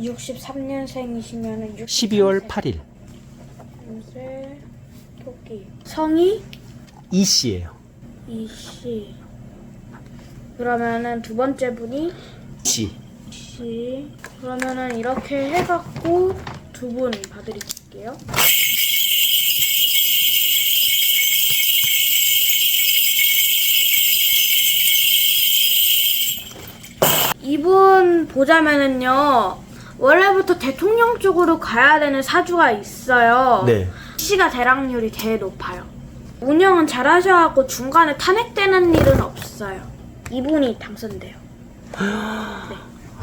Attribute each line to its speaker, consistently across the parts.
Speaker 1: 63년생이시면은
Speaker 2: 12월 8일.
Speaker 1: 연세 토끼. 성이
Speaker 2: 이씨예요.
Speaker 1: 이씨. 그러면은 두 번째 분이
Speaker 2: 씨.
Speaker 1: 씨. 그러면은 이렇게 해갖고 두 분 봐드릴게요. 이분 보자면은요, 원래부터 대통령 쪽으로 가야 되는 사주가 있어요.
Speaker 2: 네.
Speaker 1: 씨가 대락률이 제일 높아요. 운영은 잘 하셔갖고 중간에 탄핵되는 일은 없어요. 이분이 당선돼요. 네.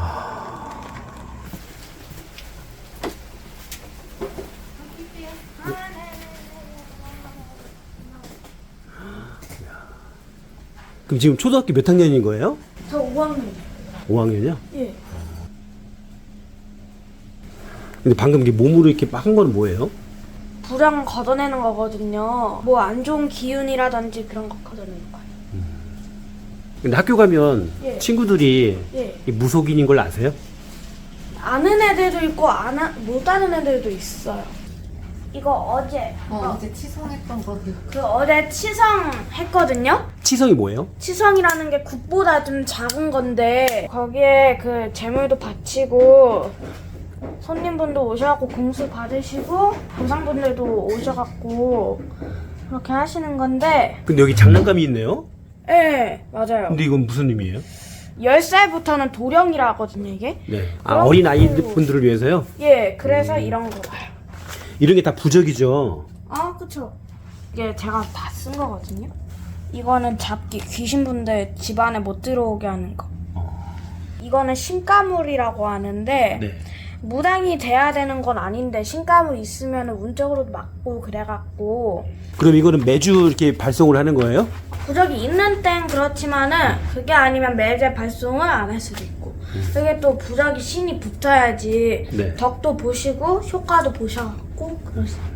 Speaker 2: 그럼 지금 초등학교 몇 학년인 거예요?
Speaker 1: 저 5학년이요.
Speaker 2: 5학년이요?
Speaker 1: 예.
Speaker 2: 근데 방금 이게 몸으로 이렇게 막 한 건 뭐예요?
Speaker 1: 불황 걷어내는 거거든요. 뭐 안 좋은 기운이라든지 그런 거 걷어내는 거예요.
Speaker 2: 근데 학교 가면
Speaker 1: 예.
Speaker 2: 친구들이
Speaker 1: 예.
Speaker 2: 이 무속인인 걸 아세요?
Speaker 1: 아는 애들도 있고 못 아는 애들도 있어요. 이거 어제
Speaker 3: 어제 치성했던 거.
Speaker 1: 어제 치성했거든요.
Speaker 2: 치성이 뭐예요?
Speaker 1: 치성이라는 게 굿보다 좀 작은 건데 거기에 그 재물도 바치고 손님분도 오셔갖고 공수 받으시고 조상분들도 오셔갖고 그렇게 하시는 건데
Speaker 2: 근데 여기 장난감이 있네요?
Speaker 1: 예 맞아요.
Speaker 2: 근데 이건 무슨 의미예요?
Speaker 1: 10살부터는 도령이라 하거든요 이게.
Speaker 2: 네. 아, 어린 아이분들을 위해서요?
Speaker 1: 예 그래서 이런 거 봐요.
Speaker 2: 이런 게 다 부적이죠?
Speaker 1: 아 그쵸. 이게 제가 다 쓴 거거든요. 이거는 잡기 귀신분들 집안에 못 들어오게 하는 거. 이거는 신가물이라고 하는데
Speaker 2: 네.
Speaker 1: 무당이 돼야 되는 건 아닌데 신가물 있으면 운적으로 맞고 그래갖고
Speaker 2: 그럼 이거는 매주 이렇게 발송을 하는 거예요?
Speaker 1: 부적이 있는 땐 그렇지만은 그게 아니면 매제 발송을 안 할 수도 있고 그게 또 부적이 신이 붙어야지
Speaker 2: 네.
Speaker 1: 덕도 보시고 효과도 보셔갖고 그러시니까.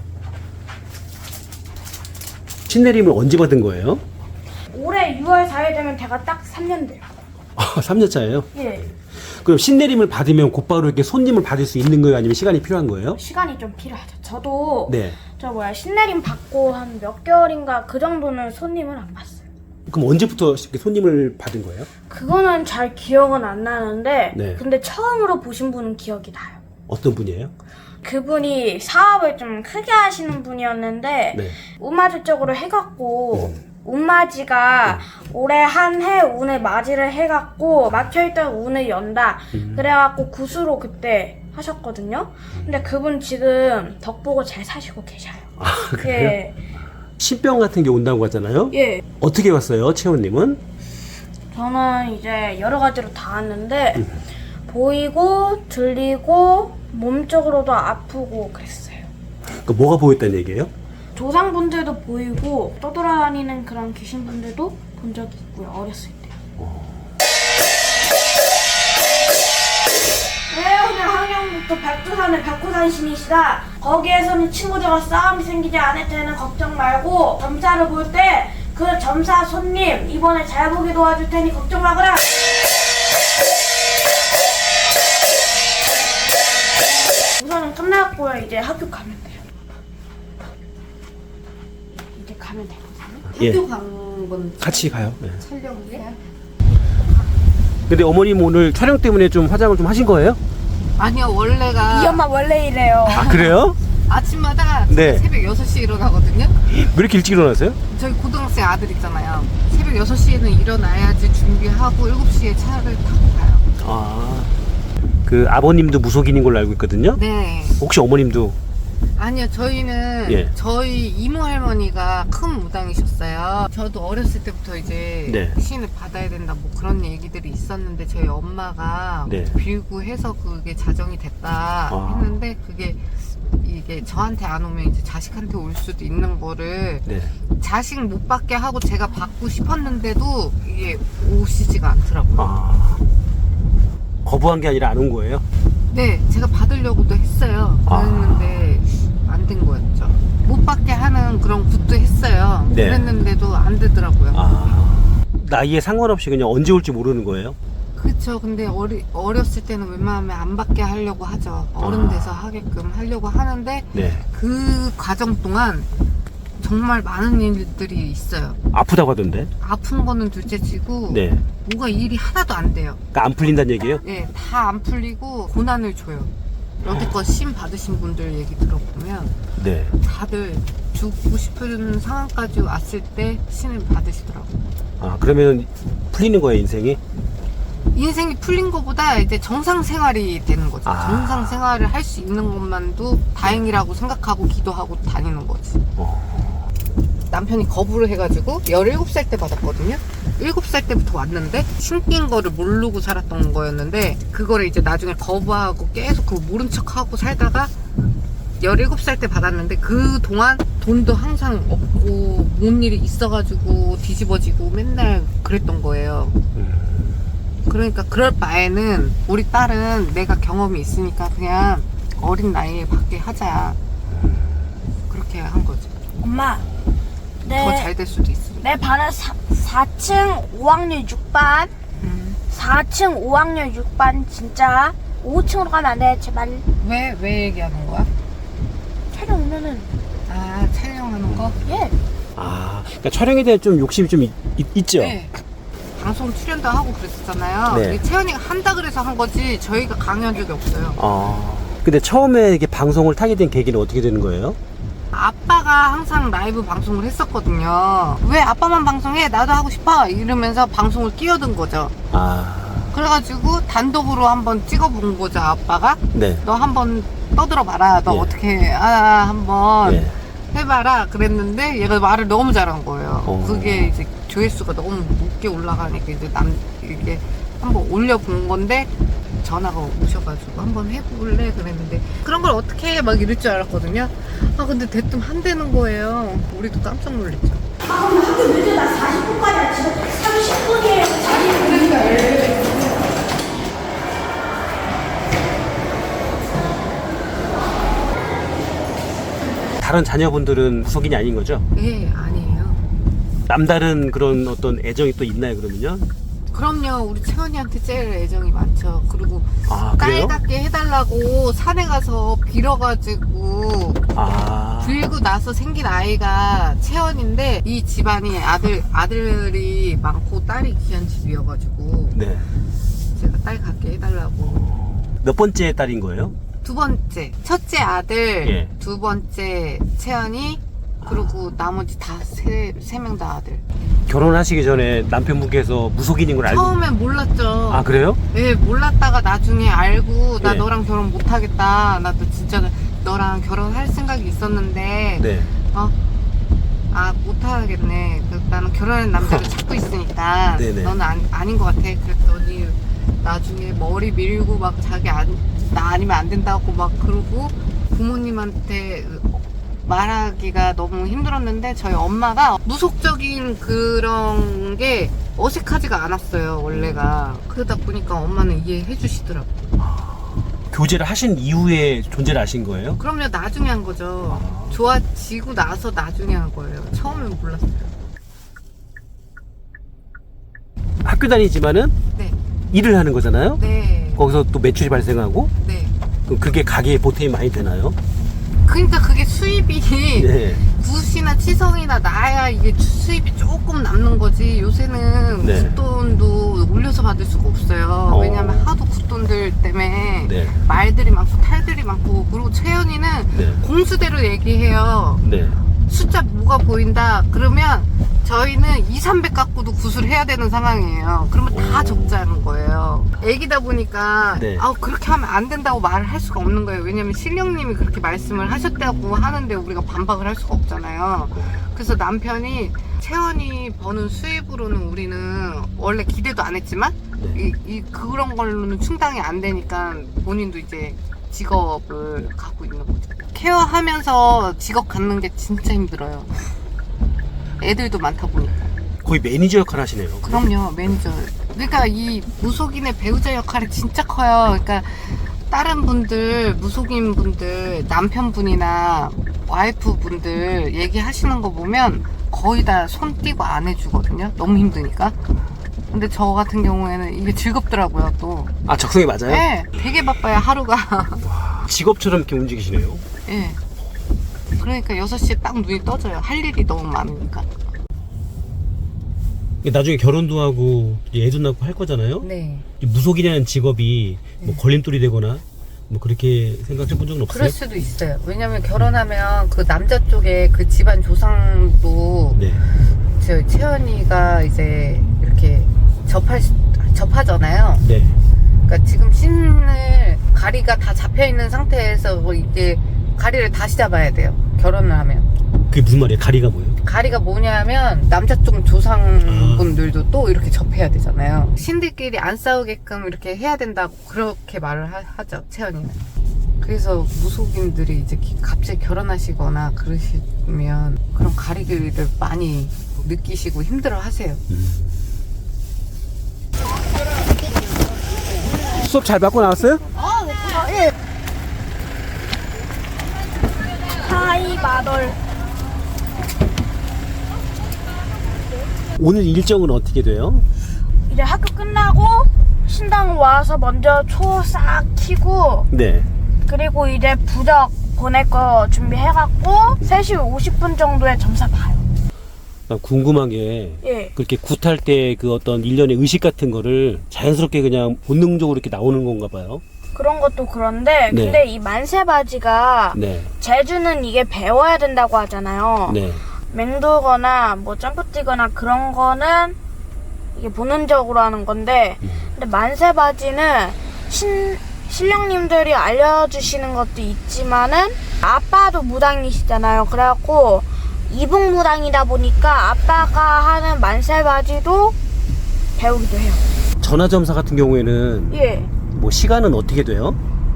Speaker 2: 신내림을 언제 받은 거예요?
Speaker 1: 올해 6월 4일 되면 제가 딱 3년 돼요.
Speaker 2: 아, 3년 차예요?
Speaker 1: 예.
Speaker 2: 그럼 신내림을 받으면 곧바로 이렇게 손님을 받을 수 있는 거예요? 아니면 시간이 필요한 거예요?
Speaker 1: 시간이 좀 필요하죠. 저도
Speaker 2: 네.
Speaker 1: 신내림 받고 한 몇 개월인가 그 정도는 손님을 안 봤어요.
Speaker 2: 그럼 언제부터 이렇게 손님을 받은 거예요?
Speaker 1: 그거는 잘 기억은 안 나는데
Speaker 2: 네.
Speaker 1: 근데 처음으로 보신 분은 기억이 나요.
Speaker 2: 어떤 분이에요?
Speaker 1: 그분이 사업을 좀 크게 하시는 분이었는데
Speaker 2: 네.
Speaker 1: 운마지 쪽으로 해갖고 운마지가 올해 한 해 운을 맞이를 해갖고 막혀있던 운을 연다 그래갖고 구수로 그때 하셨거든요. 근데 그분 지금 덕보고 잘 사시고 계셔요.
Speaker 2: 아, 그래요?
Speaker 1: 예.
Speaker 2: 신병 같은 게 온다고 하잖아요?
Speaker 1: 예.
Speaker 2: 어떻게 왔어요, 채원님은?
Speaker 1: 저는 이제 여러 가지로 다 왔는데 보이고 들리고 몸쪽으로도 아프고 그랬어요.
Speaker 2: 그 뭐가 보였다는 얘기예요?
Speaker 1: 조상분들도 보이고 떠돌아다니는 그런 귀신분들도 본 적이 있고요. 어렸을 때. 네, 오늘 항영부터 백두산의 백호산 신이시다. 거기에서는 친구들과 싸움이 생기지 않을 때는 걱정 말고 점사를 볼 때 그 점사 손님 이번에 잘 보게 도와줄 테니 걱정 마거라. 우선은 끝났고요. 이제 학교 가면 돼요. 이제 가면 되거든요.
Speaker 2: 예.
Speaker 3: 학교 간건
Speaker 2: 같이 가요. 네.
Speaker 3: 촬영이에요?
Speaker 2: 근데 어머님 오늘 촬영 때문에 좀 화장을 좀 하신 거예요?
Speaker 3: 아니요, 원래가
Speaker 1: 이 엄마 원래 이래요.
Speaker 2: 아, 그래요?
Speaker 3: 아침마다
Speaker 2: 네.
Speaker 3: 새벽 6시에 일어나거든요.
Speaker 2: 왜 이렇게 일찍 일어나세요?
Speaker 3: 저희 고등학생 아들 있잖아요. 새벽 6시에는 일어나야지 준비하고 7시에 차를 타고 가요.
Speaker 2: 아, 그 아버님도 무속인인 걸로 알고 있거든요?
Speaker 3: 네.
Speaker 2: 혹시 어머님도?
Speaker 3: 아니요, 저희는
Speaker 2: 예.
Speaker 3: 저희 이모 할머니가 큰 무당이셨어요. 저도 어렸을 때부터 이제
Speaker 2: 네.
Speaker 3: 신을 받아야 된다 뭐 그런 얘기들이 있었는데 저희 엄마가
Speaker 2: 네.
Speaker 3: 빌고 해서 그게 자정이 됐다
Speaker 2: 아.
Speaker 3: 했는데 그게 이게 저한테 안 오면 이제 자식한테 올 수도 있는 거를
Speaker 2: 네.
Speaker 3: 자식 못 받게 하고 제가 받고 싶었는데도 이게 오시지가 않더라고요.
Speaker 2: 아, 거부한 게 아니라 안 온 거예요?
Speaker 3: 네, 제가 받으려고도 했어요. 그랬는데 안 된 거였죠. 못 받게 하는 그런 굿도 했어요.
Speaker 2: 네.
Speaker 3: 그랬는데도 안 되더라고요.
Speaker 2: 아, 나이에 상관없이 그냥 언제 올지 모르는 거예요?
Speaker 3: 그쵸. 근데 어렸을 때는 웬만하면 안 받게 하려고 하죠. 어른 돼서 하게끔 하려고 하는데
Speaker 2: 네.
Speaker 3: 그 과정 동안 정말 많은 일들이 있어요.
Speaker 2: 아프다고 하던데.
Speaker 3: 아픈 거는 둘째치고
Speaker 2: 네.
Speaker 3: 뭐가 일이 하나도 안 돼요.
Speaker 2: 그러니까 안 풀린다는 얘기예요?
Speaker 3: 네, 다 안 풀리고 고난을 줘요. 여태껏 심 받으신 분들 얘기 들어보면
Speaker 2: 네.
Speaker 3: 다들 죽고 싶은 상황까지 왔을 때 신을 받으시더라고요.
Speaker 2: 아, 그러면 풀리는 거예요, 인생이?
Speaker 3: 인생이 풀린 것보다 이제 정상 생활이 되는 거죠.
Speaker 2: 아.
Speaker 3: 정상 생활을 할 수 있는 것만도 다행이라고 생각하고 기도하고 다니는 거지. 남편이 거부를 해가지고 17살 때 받았거든요. 7살 때부터 왔는데 신긴 거를 모르고 살았던 거였는데 그거를 이제 나중에 거부하고 계속 그거 모른 척하고 살다가 17살 때 받았는데 그동안 돈도 항상 없고 뭔 일이 있어가지고 뒤집어지고 맨날 그랬던 거예요. 그러니까 그럴 바에는 우리 딸은 내가 경험이 있으니까 그냥 어린 나이에 받게 하자. 그렇게 한 거죠.
Speaker 1: 엄마,
Speaker 3: 더 잘 될 수도 있으니까.
Speaker 1: 내 반은 4층 5학년 6반 4층 5학년 6반 진짜 5층으로 가면 안 돼 제발.
Speaker 3: 왜 얘기하는 거야?
Speaker 1: 촬영 오면은
Speaker 3: 아, 촬영하는 거?
Speaker 1: 예.
Speaker 2: 아, 그러니까 촬영에 대한 좀 욕심이 좀 있죠?
Speaker 3: 네. 방송 출연도 하고 그랬었잖아요.
Speaker 2: 네.
Speaker 3: 이게 채연이가 한다 그래서 한 거지 저희가 강요한 적이 없어요.
Speaker 2: 아, 근데 처음에 이게 방송을 타게 된 계기는 어떻게 되는 거예요?
Speaker 3: 아빠가 항상 라이브 방송을 했었거든요. 왜 아빠만 방송해? 나도 하고 싶어. 이러면서 방송을 끼어든 거죠.
Speaker 2: 아,
Speaker 3: 그래가지고 단독으로 한번 찍어본 거죠. 아빠가
Speaker 2: 네.
Speaker 3: 너 한번 떠들어 봐라. 너
Speaker 2: 예.
Speaker 3: 어떻게 한번
Speaker 2: 예.
Speaker 3: 해봐라 그랬는데 얘가 말을 너무 잘한 거예요.
Speaker 2: 어.
Speaker 3: 그게 이제 조회수가 너무 높게 올라가니까 이제 이게 한번 올려본 건데 전화가 오셔가지고 한번 해볼래 그랬는데 그런 걸 어떻게 해? 막 이럴 줄 알았거든요. 아 근데 대뜸 한다는 거예요. 우리도 깜짝 놀랐죠.
Speaker 1: 학교 늦어 나 40분까지 지금 30분이에요.
Speaker 2: 다른 자녀분들은 무속인이 아닌 거죠?
Speaker 3: 예, 아니에요.
Speaker 2: 남다른 그런 어떤 애정이 또 있나요, 그러면요?
Speaker 3: 그럼요. 우리 채원이한테 제일 애정이 많죠. 그리고
Speaker 2: 아, 그래요?
Speaker 3: 딸 같게 해달라고 산에 가서 빌어가지고
Speaker 2: 아,
Speaker 3: 빌고 나서 생긴 아이가 채원인데 이 집안이 아들이 많고 딸이 귀한 집이어가지고
Speaker 2: 네.
Speaker 3: 제가 딸 같게 해달라고.
Speaker 2: 몇 번째 딸인 거예요?
Speaker 3: 두 번째 첫째 아들,
Speaker 2: 예.
Speaker 3: 두 번째 채연이, 그리고 나머지 다 세 명 다 아들.
Speaker 2: 결혼하시기 전에 남편분께서 무속인인 걸 알고.
Speaker 3: 처음엔 몰랐죠.
Speaker 2: 아, 그래요?
Speaker 3: 네, 몰랐다가 나중에 알고 나
Speaker 2: 예.
Speaker 3: 너랑 결혼 못하겠다. 나도 진짜 너랑 결혼할 생각이 있었는데
Speaker 2: 네.
Speaker 3: 못하겠네. 나는 결혼한 남자를 찾고 있으니까
Speaker 2: 네네.
Speaker 3: 너는 아닌 것 같아. 그랬더니 나중에 머리 밀고 막 자기 나 아니면 안 된다고 막 그러고 부모님한테 말하기가 너무 힘들었는데 저희 엄마가 무속적인 그런 게 어색하지가 않았어요, 원래가. 그러다 보니까 엄마는 이해해 주시더라고요.
Speaker 2: 교제를 하신 이후에 존재를 아신 거예요?
Speaker 3: 그럼요, 나중에 한 거죠. 좋아지고 나서 나중에 한 거예요. 처음엔 몰랐어요.
Speaker 2: 학교 다니지만은
Speaker 3: 네.
Speaker 2: 일을 하는 거잖아요?
Speaker 3: 네.
Speaker 2: 거기서 또 매출이 발생하고,
Speaker 3: 네.
Speaker 2: 그럼 그게 가게에 보탬이 많이 되나요?
Speaker 3: 그러니까 그게 수입이
Speaker 2: 네.
Speaker 3: 굿이나 치성이나 나야 이게 수입이 조금 남는 거지. 요새는
Speaker 2: 네.
Speaker 3: 굿돈도 올려서 받을 수가 없어요. 왜냐면 하도 굿돈들 때문에
Speaker 2: 네.
Speaker 3: 말들이 많고 탈들이 많고. 그리고 채연이는
Speaker 2: 네.
Speaker 3: 공수대로 얘기해요.
Speaker 2: 네.
Speaker 3: 숫자 뭐가 보인다 그러면 저희는 2, 300 갖고도 굿을 해야 되는 상황이에요. 그러면 다
Speaker 2: 오.
Speaker 3: 적자는 거예요. 애기다 보니까
Speaker 2: 네.
Speaker 3: 그렇게 하면 안 된다고 말을 할 수가 없는 거예요. 왜냐면 신령님이 그렇게 말씀을 하셨다고 하는데 우리가 반박을 할 수가 없잖아요. 그래서 남편이 채원이 버는 수입으로는 우리는 원래 기대도 안 했지만 그런 걸로는 충당이 안 되니까 본인도 이제 직업을 갖고 있는 거죠. 케어하면서 직업 갖는 게 진짜 힘들어요. 애들도 많다 보니까.
Speaker 2: 거의 매니저 역할 하시네요.
Speaker 3: 그럼요, 매니저. 그러니까 이 무속인의 배우자 역할이 진짜 커요. 그러니까 다른 분들, 무속인 분들, 남편분이나 와이프 분들 얘기하시는 거 보면 거의 다 손 띄고 안 해주거든요. 너무 힘드니까. 근데 저 같은 경우에는 이게 즐겁더라고요, 또.
Speaker 2: 아, 적성이 맞아요?
Speaker 3: 네, 되게 바빠요, 하루가.
Speaker 2: 직업처럼 이렇게 움직이시네요.
Speaker 3: 네. 그러니까 6시에 딱 눈이 떠져요. 할 일이 너무 많으니까.
Speaker 2: 나중에 결혼도 하고 애도 낳고 할 거잖아요.
Speaker 3: 네.
Speaker 2: 이 무속이라는 직업이 뭐 걸림돌이 되거나 뭐 그렇게 생각해 본 적은 없어요?
Speaker 3: 그럴 수도 있어요. 왜냐면 결혼하면 그 남자 쪽에 그 집안 조상도
Speaker 2: 네.
Speaker 3: 저 채연이가 이제 이렇게 접하잖아요.
Speaker 2: 네.
Speaker 3: 그러니까 지금 신을 가리가 다 잡혀 있는 상태에서 뭐 이제 가리를 다시 잡아야 돼요. 결혼을 하면.
Speaker 2: 그게 무슨 말이에요? 가리가 뭐예요?
Speaker 3: 가리가 뭐냐면 남자 쪽 조상분들도 또 이렇게 접해야 되잖아요. 신들끼리 안 싸우게끔 이렇게 해야 된다고 그렇게 말을 하죠, 채연이는. 그래서 무속인들이 이제 갑자기 결혼하시거나 그러시면 그런 가리를 많이 느끼시고 힘들어 하세요.
Speaker 2: 수업 잘 받고 나왔어요?
Speaker 1: 하이 마덜.
Speaker 2: 오늘 일정은 어떻게 돼요?
Speaker 1: 이제 학교 끝나고 신당 와서 먼저 초 싹 키고
Speaker 2: 네.
Speaker 1: 그리고 이제 부적 보낼 거 준비해갖고 3시 50분 정도에 점사 봐요.
Speaker 2: 난 궁금한 게
Speaker 1: 예.
Speaker 2: 그렇게 굿할 때 그 어떤 일련의 의식 같은 거를 자연스럽게 그냥 본능적으로 이렇게 나오는 건가 봐요.
Speaker 1: 그런 것도 그런데
Speaker 2: 네.
Speaker 1: 근데 이 만세바지가
Speaker 2: 네.
Speaker 1: 재주는 이게 배워야 된다고 하잖아요.
Speaker 2: 네.
Speaker 1: 맹도거나 뭐 점프 뛰거나 그런 거는 이게 본능적으로 하는 건데 근데 만세바지는 신령님들이 알려주시는 것도 있지만은 아빠도 무당이시잖아요. 그래갖고 이북 무당이다 보니까 아빠가 하는 만세바지도 배우기도 해요.
Speaker 2: 전화점사 같은 경우에는
Speaker 1: 예.
Speaker 2: 뭐 시간은 어떻게 돼요?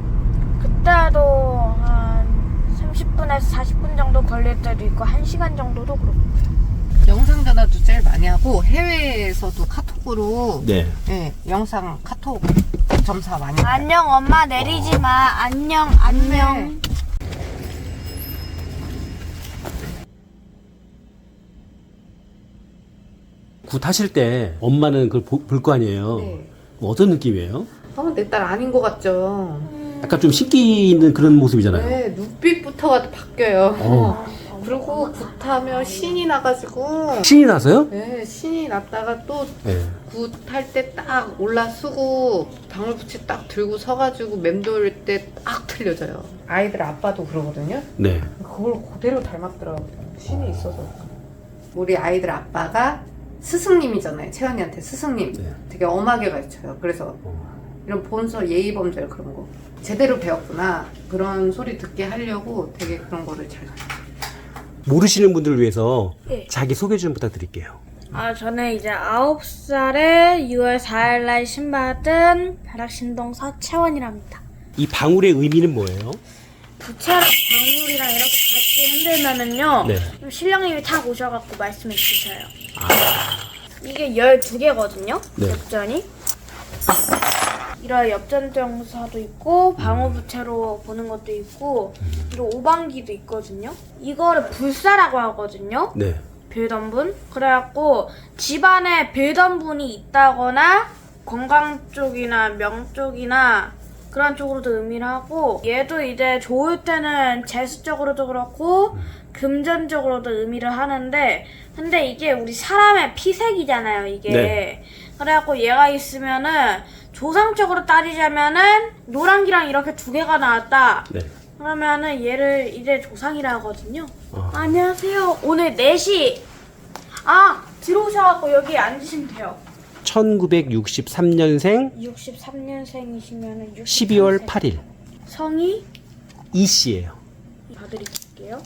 Speaker 1: 그때도 한 30분에서 40분 정도 걸릴 때도 있고 1시간 정도도 그렇고.
Speaker 3: 영상 전화도 제일 많이 하고 해외에서도 카톡으로
Speaker 2: 네.
Speaker 3: 네, 영상 카톡 점사 많이 해요.
Speaker 1: 안녕 엄마 내리지 마. 안녕 안녕.
Speaker 2: 굿 하실 때 엄마는 그걸 볼 거 아니에요.
Speaker 3: 네.
Speaker 2: 어떤 느낌이에요?
Speaker 3: 내 딸 아닌 것 같죠?
Speaker 2: 약간 좀 신기 있는 그런 모습이잖아요.
Speaker 3: 네, 눈빛부터가 바뀌어요.
Speaker 2: 어.
Speaker 3: 그리고 굿하면 신이 나가지고
Speaker 2: 신이 나서요?
Speaker 3: 네, 신이 났다가 또
Speaker 2: 네.
Speaker 3: 굿할 때 딱 올라서고 방울붙이 딱 들고 서가지고 맴돌 때 딱 틀려져요. 아이들 아빠도 그러거든요.
Speaker 2: 네.
Speaker 3: 그걸 그대로 닮았더라고요. 신이 있어서. 우리 아이들 아빠가 스승님이잖아요. 채연이한테 스승님.
Speaker 2: 네.
Speaker 3: 되게 엄하게 가르쳐요. 그래서 이런 본서 예의범절 그런 거 제대로 배웠구나. 그런 소리 듣게 하려고 되게 그런 거를 잘
Speaker 2: 모르시는 분들을 위해서
Speaker 1: 예.
Speaker 2: 자기 소개 좀 부탁드릴게요.
Speaker 1: 저는 이제 9살에 6월 4일날 신받은 벼락신동 서채원이랍니다.
Speaker 2: 이 방울의 의미는 뭐예요?
Speaker 1: 부채랑 방울이랑 이렇게 같이 흔들면은요,
Speaker 2: 네.
Speaker 1: 좀 신령님이 탁 오셔갖고 말씀해 주셔요. 이게 12개거든요,
Speaker 2: 네.
Speaker 1: 엽전이. 이런 엽전정사도 있고, 방울부채로 보는 것도 있고, 그리고 오방기도 있거든요. 이거를 불사라고 하거든요.
Speaker 2: 네.
Speaker 1: 빌던 분. 그래갖고 집안에 빌던 분이 있다거나 건강 쪽이나 명 쪽이나 그런 쪽으로도 의미를 하고 얘도 이제 좋을 때는 재수적으로도 그렇고 금전적으로도 의미를 하는데 근데 이게 우리 사람의 피색이잖아요 이게.
Speaker 2: 네.
Speaker 1: 그래갖고 얘가 있으면은 조상적으로 따지자면은 노란기랑 이렇게 두 개가 나왔다.
Speaker 2: 네.
Speaker 1: 그러면은 얘를 이제 조상이라 하거든요. 안녕하세요. 오늘 4시. 들어오셔갖고 여기 앉으시면 돼요.
Speaker 2: 1963년생
Speaker 1: 63년생이시면은
Speaker 2: 12월 8일
Speaker 1: 성이
Speaker 2: 이 씨예요.
Speaker 1: 봐드릴게요.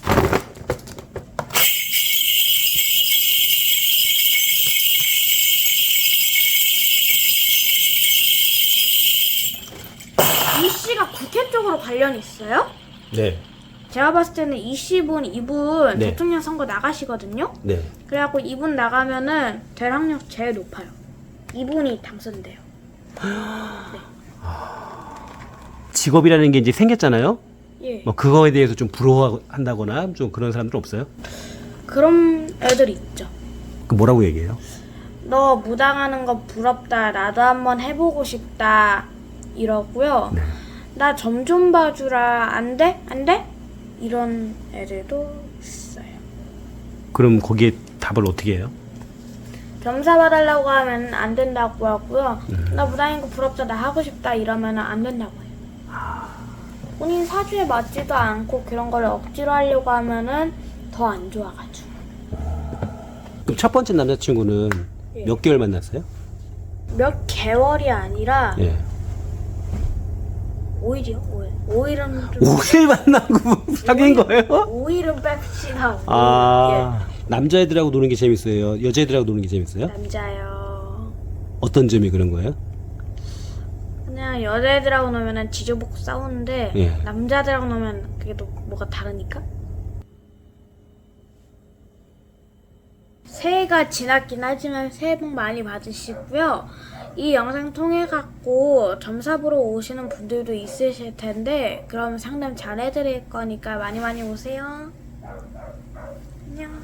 Speaker 1: 이 씨가 국회 쪽으로 관련이 있어요?
Speaker 2: 네.
Speaker 1: 제가 봤을 때는 이분
Speaker 2: 네.
Speaker 1: 대통령 선거 나가시거든요.
Speaker 2: 네.
Speaker 1: 그래갖고 이분 나가면은 될 확률 제일 높아요. 이분이 당선돼요.
Speaker 2: 직업이라는 게 이제 생겼잖아요.
Speaker 1: 예.
Speaker 2: 뭐 그거에 대해서 좀 부러워한다거나 좀 그런 사람들은 없어요?
Speaker 1: 그런 애들이 있죠.
Speaker 2: 그 뭐라고 얘기해요?
Speaker 1: 너 무당하는 거 부럽다. 나도 한번 해보고 싶다. 이러고요.
Speaker 2: 네.
Speaker 1: 나 점 좀 봐주라. 안 돼? 안 돼? 이런 애들도 있어요.
Speaker 2: 그럼 거기에 답을 어떻게 해요?
Speaker 1: 점사 봐달라고 하면 안 된다고 하고요. 나 무당인 거 부럽다. 나 하고 싶다. 이러면 안 된다고 해요. 본인 사주에 맞지도 않고 그런 걸 억지로 하려고 하면은 더 안 좋아가지고.
Speaker 2: 그럼 첫 번째 남자친구는
Speaker 1: 예.
Speaker 2: 몇 개월 만났어요?
Speaker 1: 몇 개월이 아니라
Speaker 2: 예.
Speaker 1: 5일이요? 5일. 5일은 좀
Speaker 2: 5일 만나고 사귄 거예요?
Speaker 1: 5일은 뺍시다.
Speaker 2: 아, 남자애들하고 노는 게 재밌어요? 여자애들하고 노는 게 재밌어요?
Speaker 1: 남자요.
Speaker 2: 어떤 점이 그런 거예요?
Speaker 1: 그냥 여자애들하고 놀면은 지저먹고 싸우는데
Speaker 2: 예.
Speaker 1: 남자들하고 놀면 그게 또 뭐가 다르니까? 새해가 지났긴 하지만 새해 복 많이 받으시고요. 이 영상 통해 갖고 점사 보러 오시는 분들도 있으실 텐데 그럼 상담 잘 해드릴 거니까 많이 많이 오세요. 안녕.